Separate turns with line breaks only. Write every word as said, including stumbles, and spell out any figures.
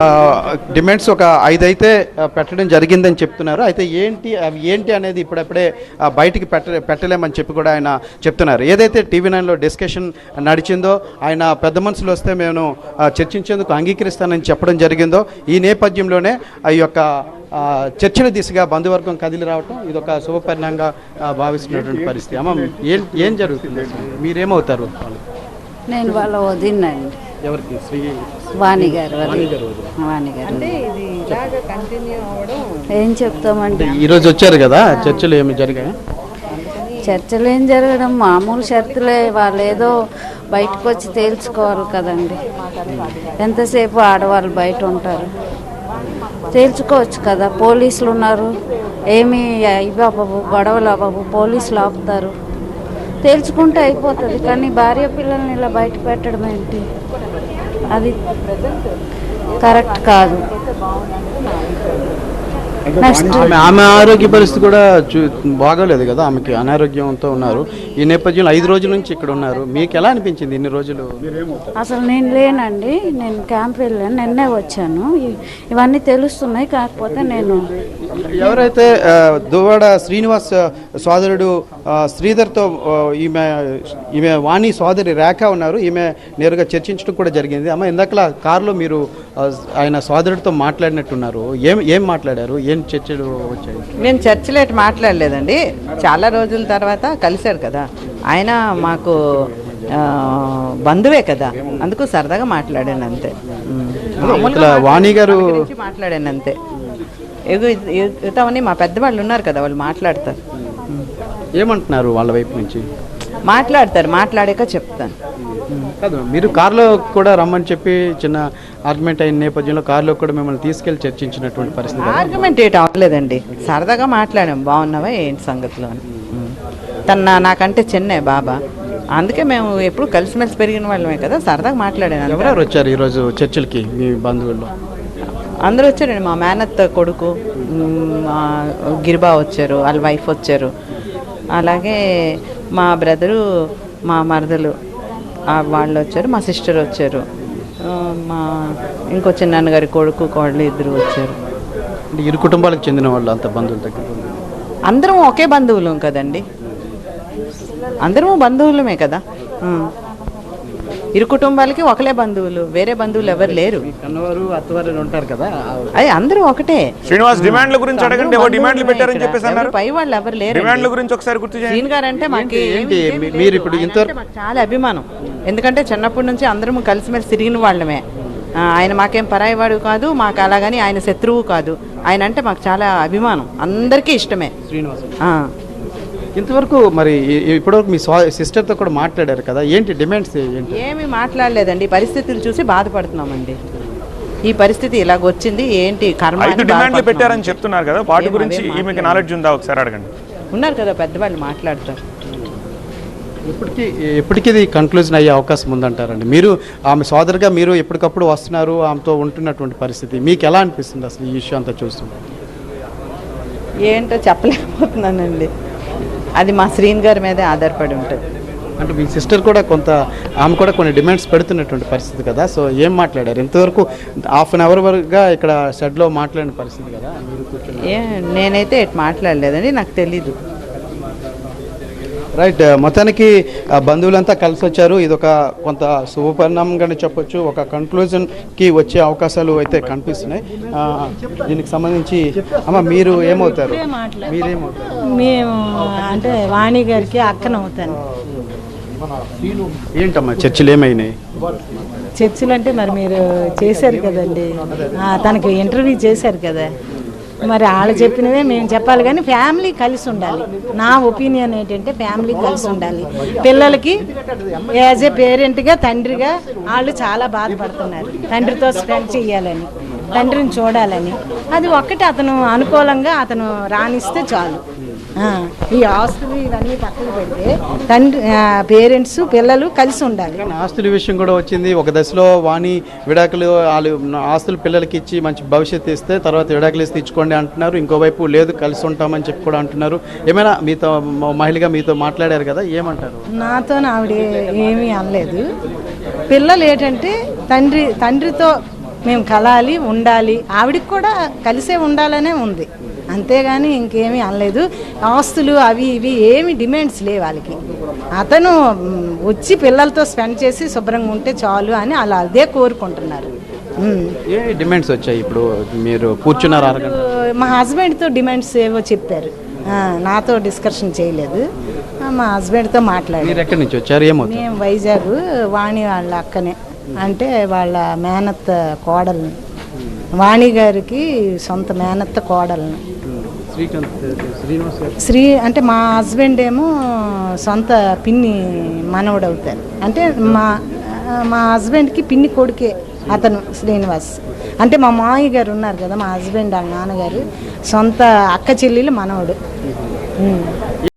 Demands ఒక ఐదు అయితే పెట్టడం జరిగిందని చెప్తున్నారు. అయితే ఏంటి అవి ఏంటి అనేది ఇప్పుడప్పుడే బయటికి పెట్ట పెట్టలేమని చెప్పి కూడా ఆయన చెప్తున్నారు. ఏదైతే టీవీ నైన్లో డిస్కషన్ నడిచిందో, ఆయన పెద్ద మనుషులు వస్తే మేము చర్చించేందుకు అంగీకరిస్తానని చెప్పడం జరిగిందో, ఈ నేపథ్యంలోనే ఈ యొక్క చర్చల దిశగా బంధువర్గం కదిలి రావటం ఇదొక శుభపరిణామంగా భావిస్తున్నటువంటి పరిస్థితి. అమ్మ, ఏం ఏం జరుగుతుంది? మీరేమవుతారు?
నేను వాళ్ళ వదినండి.
ఎవరికి? శ్రీ
వాణి గారు. వాణి గారు ఏం చెప్తామండి.
ఈరోజు వచ్చారు కదా, చర్చలు ఏమి జరిగాయి?
చర్చలు ఏం జరగడం, మామూలు షరతులే. వాళ్ళు ఏదో బయటకు వచ్చి తేల్చుకోవాలి కదండి. ఎంతసేపు ఆడవాళ్ళు బయట ఉంటారు, తేల్చుకోవచ్చు కదా. పోలీసులు ఉన్నారు, ఏమి ఇవి అవ్వవు, గొడవలు అవ్వవు, పోలీసులు ఆపుతారు, తేల్చుకుంటే అయిపోతుంది. కానీ భార్య పిల్లల్ని ఇలా బయట పెట్టడం ఏంటి? అది కరెక్ట్ కాదు.
ఆమె ఆరోగ్య పరిస్థితి కూడా బాగోలేదు కదా, ఆమెకి అనారోగ్యంతో ఉన్నారు. ఈ నేపథ్యంలో ఐదు రోజుల నుంచి ఇక్కడ ఉన్నారు. మీకు ఎలా అనిపించింది ఇన్ని రోజులు?
అసలు నేను లేనండి, నేను క్యాంప్ వెళ్ళాను, నిన్నే వచ్చాను. ఇవన్నీ తెలుస్తున్నాయి. కాకపోతే నేను
ఎవరైతే దువ్వాడ శ్రీనివాస్ సోదరుడు శ్రీధర్తో ఈమె ఈమె వాణి సోదరి రేఖ ఉన్నారు, ఈమె నేరుగా చర్చించడం కూడా జరిగింది. అమ్మ, ఇందాకలా కారులో మీరు ఆయన సోదరుడితో మాట్లాడినట్టున్నారు. ఏం ఏం మాట్లాడారు? ఏం చర్చలు వచ్చాయి?
మేము చర్చలేట్ మాట్లాడలేదండి. చాలా రోజుల తర్వాత కలిశారు కదా ఆయన, మాకు బంధువే కదా, అందుకు సరదాగా మాట్లాడాను అంతే.
వాణి గారు
మాట్లాడాను అంతే. ఇతవన్నీ మా పెద్దవాళ్ళు ఉన్నారు కదా, వాళ్ళు మాట్లాడతారు.
ఏమంటున్నారు వాళ్ళ వైపు నుంచి?
మాట్లాడతారు, మాట్లాడాక చెప్తాను.
కాదు, మీరు కారులో కూడా రమ్మని చెప్పి చిన్న ఆర్గ్యుమెంట్ అయిన నేపథ్యంలో కారులో కూడా మిమ్మల్ని తీసుకెళ్లి చర్చించినటువంటి పరిస్థితి.
ఆర్గ్యుమెంట్ ఏంటి అవ్వలేదండి, సరదాగా మాట్లాడాం, బాగున్నావా ఏంటి సంగతిలో అని. తన నాకంటే చిన్నే బాబా, అందుకే మేము ఎప్పుడు కలిసిమెలిసి పెరిగిన వాళ్ళమే కదా, సరదాగా మాట్లాడాను.
ఎవరెవరు వచ్చారు ఈరోజు చర్చలకి మీ బంధువుల్లో?
అందరూ వచ్చారండి. మా మేనత్త కొడుకు మా గిరిబా వచ్చారు, వాళ్ళ వైఫ్ వచ్చారు, అలాగే మా బ్రదరు, మా మరదలు వాళ్ళు వచ్చారు, మా సిస్టర్ వచ్చారు, మా ఇంకో చిన్నాన్నగారి కొడుకు కోడలు ఇద్దరు వచ్చారు.
ఇరు కుటుంబాలకు చెందిన వాళ్ళు అంత బంధువుల దగ్గర?
అందరం ఒకే బంధువులం కదండి, అందరము బంధువులమే కదా. ఇరు కుటుంబాలకి ఒకలే బంధువులు, వేరే బంధువులు ఎవరు లేరు.
కన్నవారు అత్తవారు ఉంటారు కదా,
అది అందరూ ఒకటే.
శ్రీనివాస్ డిమాండ్ల గురించి అడగండి, డిమాండ్లు పెట్టారని చెప్పేసి అన్నారు.
పై వాళ్ళు ఎవరు లేరు.
డిమాండ్ల గురించి ఒకసారి గుర్తు చేయండి.
శ్రీన్ గారు అంటే మాకు
మీరు ఇప్పుడు ఇంతవరకు
చాలా అభిమానం, ఎందుకంటే చిన్నప్పటి నుంచి అందరం కలిసిమెలిసి తిరిగిన వాళ్ళమే. ఆయన మాకేం పరాయివాడు కాదు, మాకు అలాగని ఆయన శత్రువు కాదు. ఆయన అంటే మాకు చాలా అభిమానం, అందరికీ ఇష్టమే
శ్రీనివాస్. ఇంతవరకు మరి ఇప్పటివరకు మీ సిస్టర్తో కూడా మాట్లాడారు కదా, ఏంటి డిమాండ్స్ ఏంటి?
ఏమి మాట్లాడలేదండి, పరిస్థితులు చూసి బాధపడుతున్నామండి. ఈ పరిస్థితి ఇలాగొచ్చింది ఏంటి కర్మ.
ఐదు డిమాండ్లు పెట్టారని చెప్తున్నారు కదా, వాటి గురించి ఈమెకి నాలెడ్జ్ ఉందా ఒకసారి అడగండి.
ఉన్నారు కదా పెద్దవాళ్ళు, మాట్లాడతారు.
ఇప్పటికీ ఎప్పటికీ ఇది కన్క్లూజన్ అయ్యే అవకాశం ఉందంటారండి? మీరు ఆమె సోదరుగా మీరు ఎప్పటికప్పుడు వస్తున్నారు, ఆమెతో ఉంటున్నటువంటి పరిస్థితి మీకు ఎలా అనిపిస్తుంది అసలు ఈ విషయం అంతా చూస్తుంది?
ఏంటో చెప్పలేకపోతున్నానండి, అది మా శ్రీన్ గారి మీదే ఆధారపడి ఉంటుంది.
అంటే మీ సిస్టర్ కూడా కొంత, ఆమె కూడా కొన్ని డిమాండ్స్ పెడుతున్నటువంటి పరిస్థితి కదా, సో ఏం మాట్లాడారు? ఇంతవరకు హాఫ్ అన్ అవర్ వరకుగా ఇక్కడ షెడ్లో మాట్లాడిన పరిస్థితి కదా, మీరు కూర్చొని?
ఏ నేనైతే ఎటు మాట్లాడలేదండి, నాకు తెలీదు.
రైట్, మొత్తానికి బంధువులంతా కలిసి వచ్చారు. ఇది ఒక కొంత శుభపరిణామంగానే చెప్పొచ్చు. ఒక కన్క్లూజన్కి వచ్చే అవకాశాలు అయితే కనిపిస్తున్నాయి. దీనికి సంబంధించి అమ్మ, మీరు ఏమవుతారు? మీరేమవుతారు?
మేము అంటే వాణి గారికి అక్కనవుతాను.
ఏంటమ్మా చర్చలు ఏమైనాయి?
చర్చలు అంటే మరి మీరు చేశారు కదండి, తనకి ఇంటర్వ్యూ చేశారు కదా, మరి వాళ్ళు చెప్పినవే మేము చెప్పాలి. కానీ ఫ్యామిలీ కలిసి ఉండాలి. నా ఒపీనియన్ ఏంటంటే ఫ్యామిలీ కలిసి ఉండాలి. పిల్లలకి యాజ్ ఏ పేరెంట్గా, తండ్రిగా వాళ్ళు చాలా బాధపడుతున్నారు. తండ్రితో స్పెండ్ చేయాలని, తండ్రిని చూడాలని, అది ఒక్కటి అతను అనుకూలంగా అతను రాణిస్తే చాలు. ఈ ఆస్తులు ఇవన్నీ పక్కన పెడితే తండ్రి, పేరెంట్స్, పిల్లలు కలిసి ఉండాలి.
ఆస్తుల విషయం కూడా వచ్చింది. ఒక దశలో వాణి విడాకులు, వాళ్ళు ఆస్తులు పిల్లలకి ఇచ్చి మంచి భవిష్యత్తు ఇస్తే తర్వాత విడాకులు ఇస్తే ఇచ్చుకోండి అంటున్నారు. ఇంకోవైపు లేదు కలిసి ఉంటామని చెప్పి కూడా అంటున్నారు. ఏమైనా మీతో మహిళగా మీతో మాట్లాడారు కదా, ఏమంటారు?
నాతో ఆవిడ ఏమీ అనలేదు. పిల్లలు ఏంటంటే తండ్రి తండ్రితో మేము కలాలి ఉండాలి, ఆవిడకి కూడా కలిసే ఉండాలనే ఉంది, అంతేగాని ఇంకేమీ అనలేదు. ఆస్తులు అవి ఇవి ఏమి డిమాండ్స్ లేవు వాళ్ళకి. అతను మ్, వచ్చి పిల్లలతో స్పెండ్ చేసి శుభ్రంగా ఉంటే చాలు అని అలా అదే కోరుకుంటున్నారు. మ్.
ఏ డిమాండ్స్ వచ్చాయి ఇప్పుడు మీరు కూర్చున్నారు అరగంట?
మా హస్బెండ్తో డిమాండ్స్ ఏవో చెప్పారు, ఆ, నాతో డిస్కషన్ చేయలేదు. ఆ, మా హస్బెండ్తో మాట్లాడారు.
మీరు ఎక్కడి నుంచి వచ్చారు? ఏమవుతుంది?
మేము వైజాగ్, వాణి వాళ్ళ అక్కనే, అంటే వాళ్ళ మేనత్త కోడల్ని, వాణి గారికి సొంత మేనత్త కోడల్ని.
శ్రీకాంత్ శ్రీనివాస్ గారు
శ్రీ అంటే మా హస్బెండ్ ఏమో సొంత పిన్ని మనవడు అవుతారు. అంటే మా మా హస్బెండ్కి పిన్ని కొడుకే అతను శ్రీనివాస్. అంటే మా మామయ్య గారు ఉన్నారు కదా, మా హస్బెండ్ వాళ్ళ నాన్నగారు సొంత అక్క చెల్లెలు మనవడు. ఉమ్.